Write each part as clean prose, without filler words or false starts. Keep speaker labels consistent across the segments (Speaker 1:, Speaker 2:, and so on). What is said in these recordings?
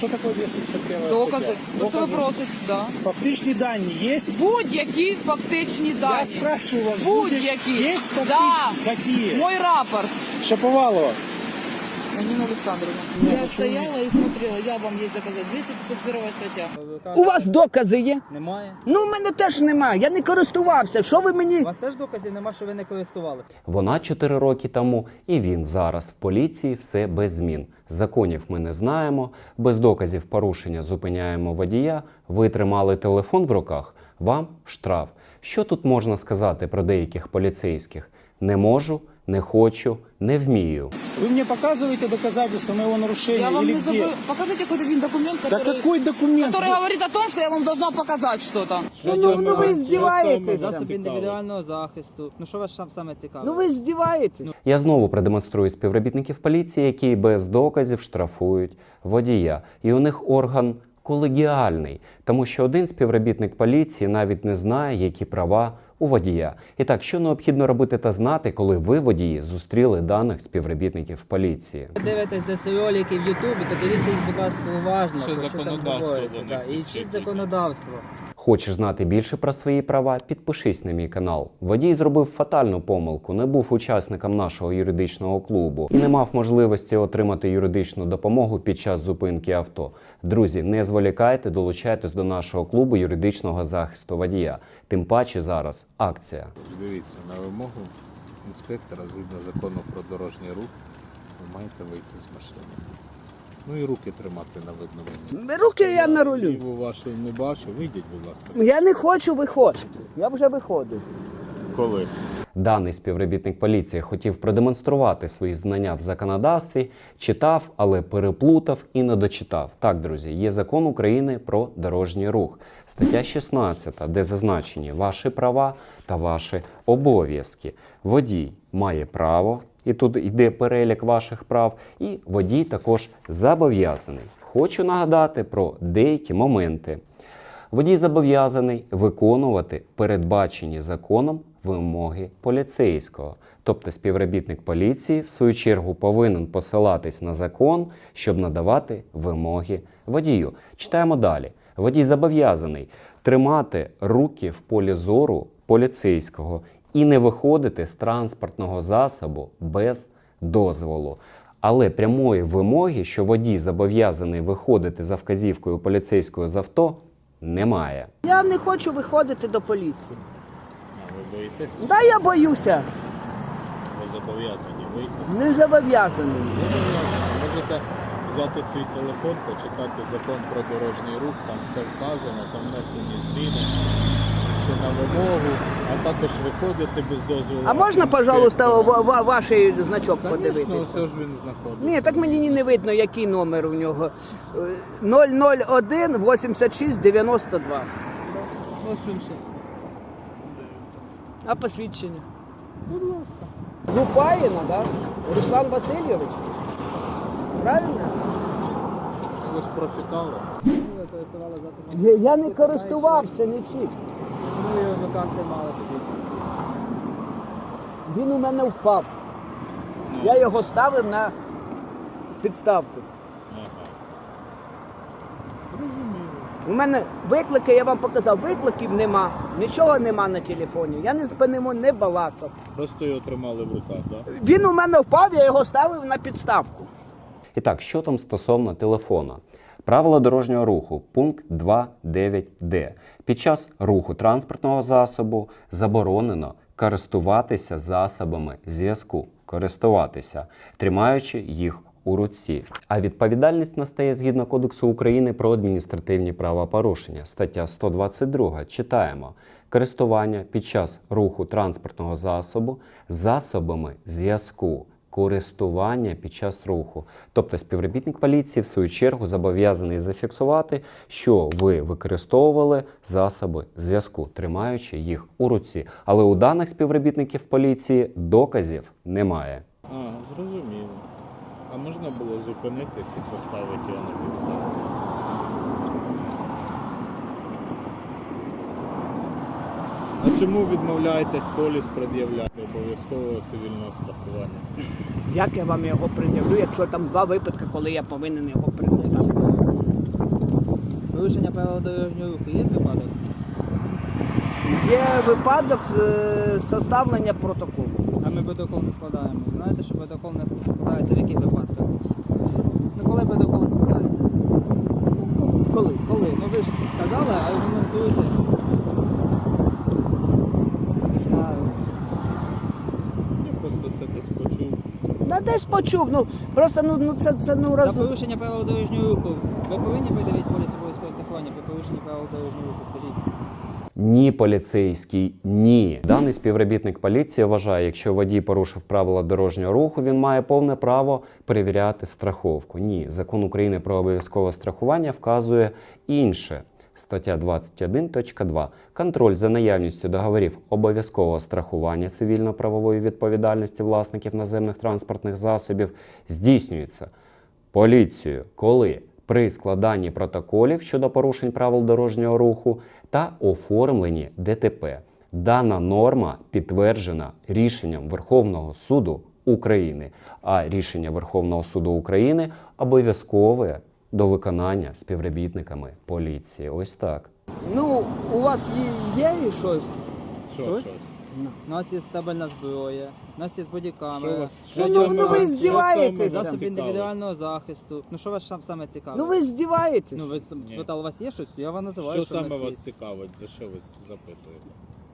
Speaker 1: Что такое 251
Speaker 2: Докази.
Speaker 1: стаття?
Speaker 2: То, що ви просите, да.
Speaker 1: Фактичні дані є?
Speaker 2: Будь-які фактичні
Speaker 1: Я
Speaker 2: дані.
Speaker 1: спрашиваю вас,
Speaker 2: Будь-які.
Speaker 1: є фактичні?
Speaker 2: Да.
Speaker 1: Какие?
Speaker 2: Мой рапорт.
Speaker 1: Шаповалова.
Speaker 2: Нина Александровна.
Speaker 1: Нет,
Speaker 2: Я
Speaker 1: почему
Speaker 2: стояла и смотрела, я вам есть доказать. 251 стаття.
Speaker 3: У вас докази є?
Speaker 4: Немає.
Speaker 3: Ну, в мене теж немає. Я не користувався. Що ви мені?
Speaker 4: У вас теж доказів нема, що ви не користувалися.
Speaker 5: Вона 4 роки тому, і він зараз в поліції, все без змін. Законів ми не знаємо, без доказів порушення зупиняємо водія, ви тримали телефон в руках, вам штраф. Що тут можна сказати про деяких поліцейських? Не можу, не хочу, не вмію.
Speaker 1: Вы мне показываете доказательства моего нарушения
Speaker 2: Я вам
Speaker 1: или
Speaker 2: не
Speaker 1: где?
Speaker 2: забыл. Покажите какой-то один документ,
Speaker 1: Да
Speaker 2: который,
Speaker 1: какой документ?
Speaker 2: который говорит о том, что я вам должна показать что-то.
Speaker 3: Ну ви здіваєтеся.
Speaker 4: Засоби індивідуального захисту. Ну що вас саме цікавить?
Speaker 3: Ну ви здіваєтесь.
Speaker 5: Я знову продемонструю співробітників поліції, які без доказів штрафують водія. І у них орган колегіальний, тому що один співробітник поліції навіть не знає, які права у водія. І так, що необхідно робити та знати, коли ви, водії, зустріли даних співробітників поліції?
Speaker 4: Ви дивитесь десь ролики в Ютубі, то дивіться їх, будь ласка, уважно.
Speaker 6: Ще
Speaker 4: про що
Speaker 6: законодавство
Speaker 4: там говориться,
Speaker 6: вони
Speaker 4: да. І
Speaker 6: включать
Speaker 4: вчіть
Speaker 6: тільки.
Speaker 4: законодавство.
Speaker 5: Хочеш знати більше про свої права? Підпишись на мій канал. Водій зробив фатальну помилку, не був учасником нашого юридичного клубу і не мав можливості отримати юридичну допомогу під час зупинки авто. Друзі, не зволікайте, долучайтесь до нашого клубу юридичного захисту водія. Тим паче зараз акція.
Speaker 6: Дивіться, на вимогу інспектора, згідно закону про дорожній рух, ви маєте вийти з машини. Ну і руки тримати на видному місці.
Speaker 3: Руки я на рулю.
Speaker 6: Ліву вашу не бачу, вийдіть, будь ласка.
Speaker 3: Я не хочу виходити. Я вже виходив.
Speaker 6: Коли?
Speaker 5: Даний співробітник поліції хотів продемонструвати свої знання в законодавстві, читав, але переплутав і не дочитав. Так, друзі, є закон України про дорожній рух. Стаття 16, де зазначені ваші права та ваші обов'язки. Водій має право, і тут йде перелік ваших прав, і водій також зобов'язаний. Хочу нагадати про деякі моменти. Водій зобов'язаний виконувати передбачені законом вимоги поліцейського. Тобто співробітник поліції, в свою чергу, повинен посилатись на закон, щоб надавати вимоги водію. Читаємо далі. Водій зобов'язаний тримати руки в полі зору поліцейського і не виходити з транспортного засобу без дозволу. Але прямої вимоги, що водій зобов'язаний виходити за вказівкою поліцейського з авто, немає.
Speaker 3: Я не хочу виходити до поліції.
Speaker 6: А ви боїтесь?
Speaker 3: Да я боюся.
Speaker 6: Ви зобов'язані вийти.
Speaker 3: Не зобов'язаний.
Speaker 6: Можете взяти свій телефон, почитати закон про дорожній рух, там все вказано, там внесені зміни, що на вимогу, а також виходити без дозволу.
Speaker 3: А можна, пожалуйста, ваш значок
Speaker 6: Звісно,
Speaker 3: подивитися?
Speaker 6: все ж він знаходиться.
Speaker 3: Ні, так мені не видно, який номер у нього. 001 86 92.
Speaker 6: Ось він ще.
Speaker 3: А посвідчення? Будь ласка. Лупаїна, да? Руслан Васильович? Правильно?
Speaker 6: Ви ж прочитали.
Speaker 4: Ви користували засобами.
Speaker 3: Я не користувався нічим.
Speaker 4: Ну і в руках тримали тоді.
Speaker 3: Він у мене впав. Я його ставив на підставку.
Speaker 6: Ага.
Speaker 3: У мене виклики, я вам показав, викликів нема, нічого нема на телефоні. Я не з ним не балакав.
Speaker 6: Просто його тримали в руках, так? Да?
Speaker 3: Він у мене впав, я його ставив на підставку.
Speaker 5: І так, що там стосовно телефона? Правила дорожнього руху, пункт 2.9d. Під час руху транспортного засобу заборонено користуватися засобами зв'язку. Користуватися, тримаючи їх у руці. А відповідальність настає згідно Кодексу України про адміністративні правопорушення. Стаття 122. Читаємо. Користування під час руху транспортного засобу засобами зв'язку. Користування під час руху. Тобто співробітник поліції, в свою чергу, зобов'язаний зафіксувати, що ви використовували засоби зв'язку, тримаючи їх у руці. Але у даних співробітників поліції доказів немає.
Speaker 6: А, зрозуміло. А можна було зупинитись і поставити його на підставку? А чому відмовляєтесь поліс пред'являти обов'язкового цивільного страхування?
Speaker 3: Як я вам його пред'явлю, якщо там два випадки, коли я повинен його предоставити?
Speaker 4: Порушення правил дорожнього руху є випадок?
Speaker 3: Є випадок составлення протоколу.
Speaker 4: А ми протокол не складаємо. Знаєте, що протокол не складається в яких випадках? Ну коли протокол складається?
Speaker 3: Коли?
Speaker 4: Коли? Ну ви ж сказали, аргументуйте.
Speaker 6: Я просто це десь почув.
Speaker 3: Десь почув, просто це
Speaker 4: За
Speaker 3: раз.
Speaker 4: порушення правил дорожнього руху ви повинні придавити поліс обов'язкового страхування при порушенні правил дорожнього руху, скажіть.
Speaker 5: Ні, поліцейський, ні. Даний співробітник поліції вважає, якщо водій порушив правила дорожнього руху, він має повне право перевіряти страховку. Ні, Закон України про обов'язкове страхування вказує інше. Стаття 21.2. Контроль за наявністю договорів обов'язкового страхування цивільно-правової відповідальності власників наземних транспортних засобів здійснюється поліцією, коли при складанні протоколів щодо порушень правил дорожнього руху та оформленні ДТП. Дана норма підтверджена рішенням Верховного суду України, а рішення Верховного суду України обов'язкове до виконання співробітниками поліції. Ось так.
Speaker 3: У вас є щось?
Speaker 6: Щось?
Speaker 4: У нас є стабільна зброя, у нас є
Speaker 6: Що
Speaker 4: бодікамера,
Speaker 6: вас?
Speaker 3: ви здіваєтесь?
Speaker 4: засоби індивідуального захисту. Ну що вас саме цікавить?
Speaker 3: Ну ви здіваєтесь.
Speaker 4: Ну ви
Speaker 6: Ні.
Speaker 4: питали, у вас є щось? Я вам називаю,
Speaker 6: Що
Speaker 4: в
Speaker 6: саме
Speaker 4: нас є.
Speaker 6: вас цікавить? За що ви запитуєте?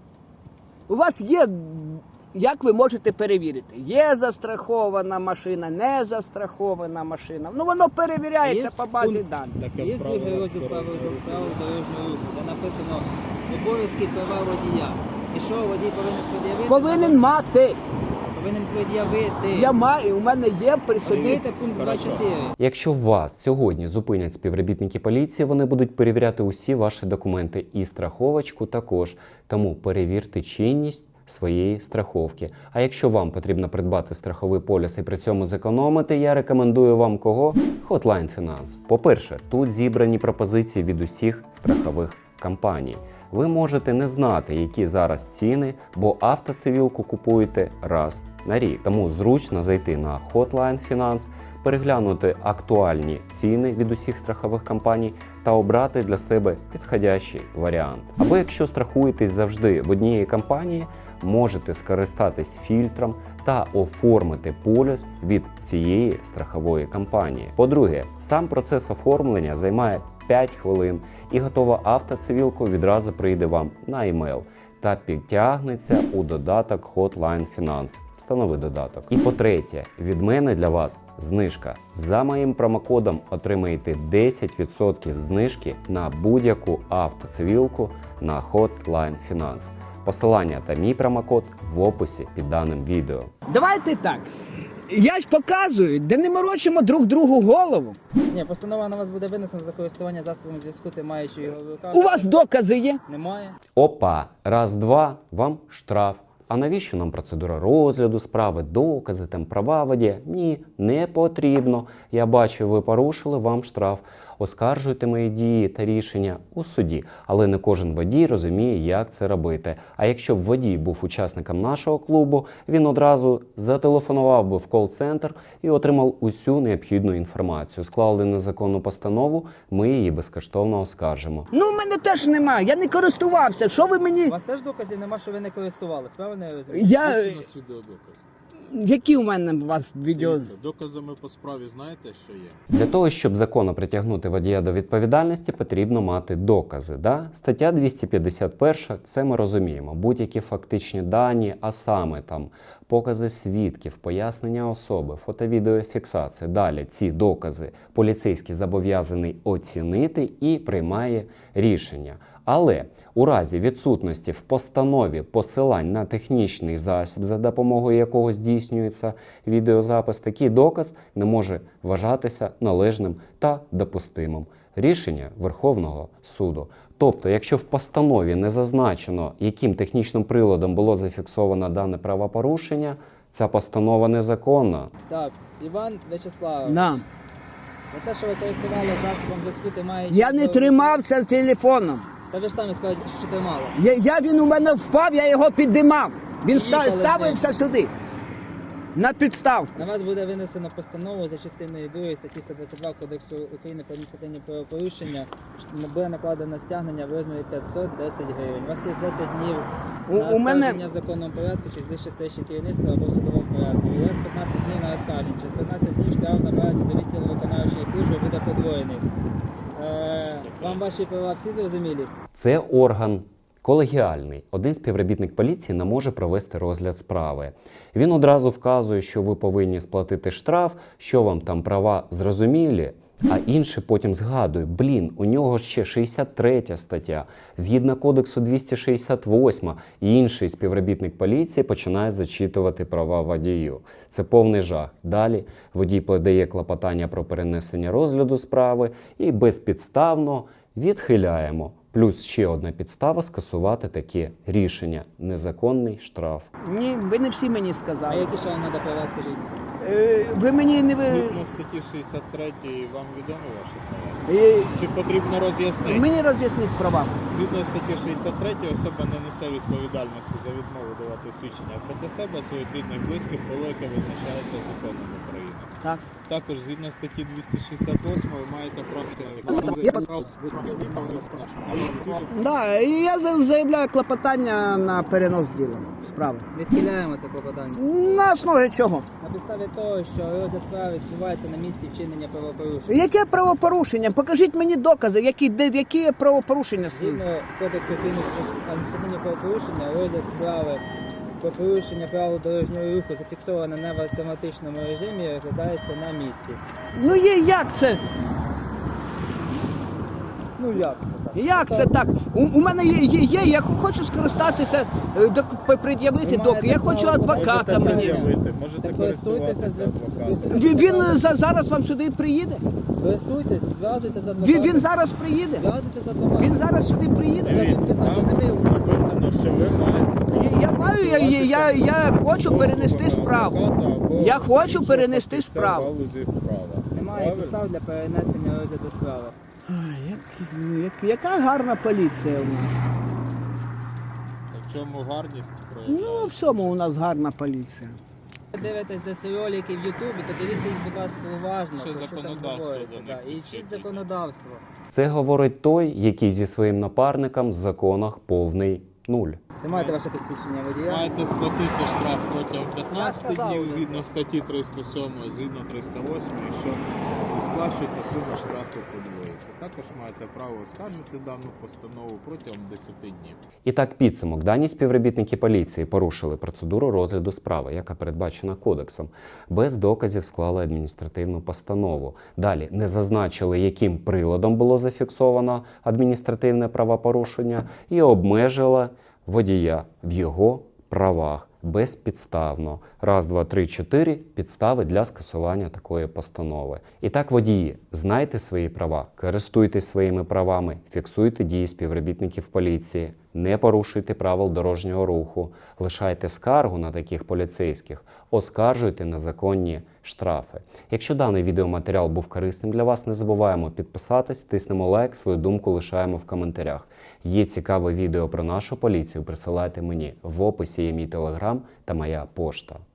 Speaker 3: У вас є, як ви можете перевірити? Є застрахована машина, не застрахована машина. Воно перевіряється
Speaker 4: Є
Speaker 3: по базі
Speaker 4: пункт.
Speaker 3: даних.
Speaker 6: Таке
Speaker 4: Є
Speaker 6: в
Speaker 4: другий
Speaker 6: правилах
Speaker 4: розділ правил
Speaker 6: дорожнього руху.
Speaker 4: дорожнього руху, де написано обов'язки права водія. І що водій повинен пред'явити?
Speaker 3: Повинен мати.
Speaker 4: Повинен пред'явити.
Speaker 3: Я маю, у мене є при собі.
Speaker 4: Дивіться пункт
Speaker 6: Хорошо.
Speaker 4: 24.
Speaker 5: Якщо вас сьогодні зупинять співробітники поліції, вони будуть перевіряти усі ваші документи і страховочку також. Тому перевірте чинність своєї страховки. А якщо вам потрібно придбати страховий поліс і при цьому зекономити, я рекомендую вам кого? Hotline Finance. По-перше, тут зібрані пропозиції від усіх страхових компаній. Ви можете не знати, які зараз ціни, бо автоцивілку купуєте раз на рік. Тому зручно зайти на Hotline Finance, переглянути актуальні ціни від усіх страхових компаній та обрати для себе підходящий варіант. Або якщо страхуєтесь завжди в одній компанії, можете скористатись фільтром та оформити поліс від цієї страхової компанії. По-друге, сам процес оформлення займає 5 хвилин і готова автоцивілка відразу прийде вам на емейл та підтягнеться у додаток Hotline Finance. Встанови додаток. І по-третє, від мене для вас знижка. За моїм промокодом отримаєте 10% знижки на будь-яку автоцивілку на Hotline Finance. Посилання та мій промокод в описі під даним відео.
Speaker 3: Давайте так. Я ж показую, де не морочимо друг другу голову.
Speaker 4: Ні, постанова на вас буде винесена за користування засобами зв'язку, ти маючи його в руках.
Speaker 3: У вас докази є?
Speaker 4: Немає.
Speaker 5: Опа, раз-два, вам штраф. А навіщо нам процедура розгляду справи, докази, там права водія? Ні, не потрібно. Я бачу, ви порушили, вам штраф. Оскаржуйте мої дії та рішення у суді. Але не кожен водій розуміє, як це робити. А якщо б водій був учасником нашого клубу, він одразу зателефонував би в кол-центр і отримав усю необхідну інформацію. Склали незаконну постанову, ми її безкоштовно оскаржимо.
Speaker 3: В мене теж немає, я не користувався. Що ви мені?
Speaker 4: У вас теж доказів нема, що ви не користувалися, правильно я розумію?
Speaker 3: Я...
Speaker 6: Ось у нас відеодоказ.
Speaker 3: Які у мене у вас відео?
Speaker 6: Дивіться, доказами по справі знаєте, що є?
Speaker 5: Для того, щоб законно притягнути водія до відповідальності, потрібно мати докази. Да? Стаття 251, це ми розуміємо. Будь-які фактичні дані, а саме там покази свідків, пояснення особи, фото-відеофіксація. Далі ці докази поліцейський зобов'язаний оцінити і приймає рішення. Але у разі відсутності в постанові посилань на технічний засіб, за допомогою якого здійснюється відеозапис, такий доказ не може вважатися належним та допустимим. Рішення Верховного суду. Тобто, якщо в постанові не зазначено, яким технічним приладом було зафіксовано дане правопорушення, ця постанова незаконна.
Speaker 4: Так, Іван Вячеславович,
Speaker 3: На.
Speaker 4: за те, що ви користували засобом зв'язку, ти маєш...
Speaker 3: Я не тримався телефоном.
Speaker 4: Та ви ж самі сказали, що тримали.
Speaker 3: Він у мене впав, я його піддимав. Він
Speaker 4: Їхали з ним.
Speaker 3: ставився сюди. На підставку.
Speaker 4: На вас буде винесено постанову за частиною 2 статті 122 Кодексу України про адміністративні правопорушення. Буде накладено стягнення в розмірі 510 гривень. У вас є 10 днів на
Speaker 3: У мене-
Speaker 4: оскарження в законному порядку через вище стояще керівництво або в судовому порядку. І у вас 15 днів на оскарження. Через 15 днів штраф на базі до відділу виконавчої служби буде подвоєний. Вам ваші права всі зрозумілі?
Speaker 5: Це орган колегіальний. Один співробітник поліції не може провести розгляд справи. Він одразу вказує, що ви повинні сплатити штраф, що вам там права зрозумілі, а інший потім згадує, у нього ще 63 стаття, згідно кодексу 268, і інший співробітник поліції починає зачитувати права водію. Це повний жах. Далі водій подає клопотання про перенесення розгляду справи і безпідставно відхиляємо. Плюс ще одна підстава скасувати таке рішення – незаконний штраф.
Speaker 3: Ні, ви не всі мені
Speaker 4: А
Speaker 3: сказали.
Speaker 4: які ще вам треба права, скажіть?
Speaker 3: Ви мені не ви.
Speaker 6: Згідно статті 63 вам відомі ваші права? Чи потрібно роз'яснити?
Speaker 3: Мені роз'ясніть права.
Speaker 6: Згідно статті 63 особа не несе відповідальності за відмову давати свідчення проти себе, своїх рідних близьких, коли яке визначається законом України.
Speaker 3: Так.
Speaker 6: Також згідно статті 268 ви маєте просто
Speaker 3: Да, і я заявляю клопотання на перенос діла справи.
Speaker 4: Відхиляємо це клопотання.
Speaker 3: На основі чого?
Speaker 4: На підставі того, що розгляд справи відбувається на місці вчинення правопорушення.
Speaker 3: Яке правопорушення? Покажіть мені докази, які правопорушення.
Speaker 4: Згідно Кодексу України про адміністративні правопорушення, розгляд справи про порушення правил дорожнього руху зафіксовано не в автоматичному режимі, розглядається на місці.
Speaker 3: Ну як це?
Speaker 4: Ну як це так?
Speaker 3: Як це так? У мене є, я хочу скористатися, пред'явити
Speaker 4: Ви
Speaker 3: доки. Я
Speaker 4: маєте
Speaker 3: хочу
Speaker 4: право,
Speaker 3: адвоката
Speaker 6: можете
Speaker 3: мені.
Speaker 6: пред'явити, можете
Speaker 4: Так користуйтеся
Speaker 6: користуватися адвокатом.
Speaker 3: Він зараз вам сюди приїде?
Speaker 4: Користуйтесь, зв'язуйте з адвокатом.
Speaker 3: Він зараз приїде?
Speaker 4: Зв'язуйте з адвокатом.
Speaker 3: Він зараз сюди приїде?
Speaker 6: Дивіться, там написано, що ви маєте
Speaker 3: Я маю, я хочу перенести справу. Я хочу перенести справу.
Speaker 4: Немає підстав для перенесення розгляду справи.
Speaker 3: Яка гарна поліція у нас.
Speaker 6: В чому гарність проявляється?
Speaker 3: Ну, в всьому у нас гарна поліція.
Speaker 4: Ви дивитесь десь ролики в Ютубі, то дивіться їх, будь ласка, уважно.
Speaker 6: Ще
Speaker 4: про що там
Speaker 6: законодавство
Speaker 4: говориться,
Speaker 6: до них
Speaker 4: да. І
Speaker 6: вчить.
Speaker 4: вчіть законодавство.
Speaker 5: Це говорить той, який зі своїм напарником в законах повний нуль.
Speaker 4: Ви маєте ваше посвідчення водія?
Speaker 6: Маєте сплатити штраф протягом 15
Speaker 3: Я сказав,
Speaker 6: днів згідно статті 307, згідно 308, якщо не сплачуєте, сума штрафу подвоїться. Також маєте право оскаржити дану постанову протягом 10 днів.
Speaker 5: І так, підсумок. Дані співробітники поліції порушили процедуру розгляду справи, яка передбачена кодексом. Без доказів склали адміністративну постанову. Далі не зазначили, яким приладом було зафіксовано адміністративне правопорушення, і обмежили водія в його правах безпідставно. 1, 2, 3, 4 підстави для скасування такої постанови. І так, водії, знайте свої права, користуйтесь своїми правами, фіксуйте дії співробітників поліції, не порушуйте правил дорожнього руху, лишайте скаргу на таких поліцейських, оскаржуйте незаконні штрафи. Якщо даний відеоматеріал був корисним для вас, не забуваємо підписатись, тиснемо лайк, свою думку лишаємо в коментарях. Є цікаве відео про нашу поліцію, присилайте мені. В описі є мій телеграм та моя пошта.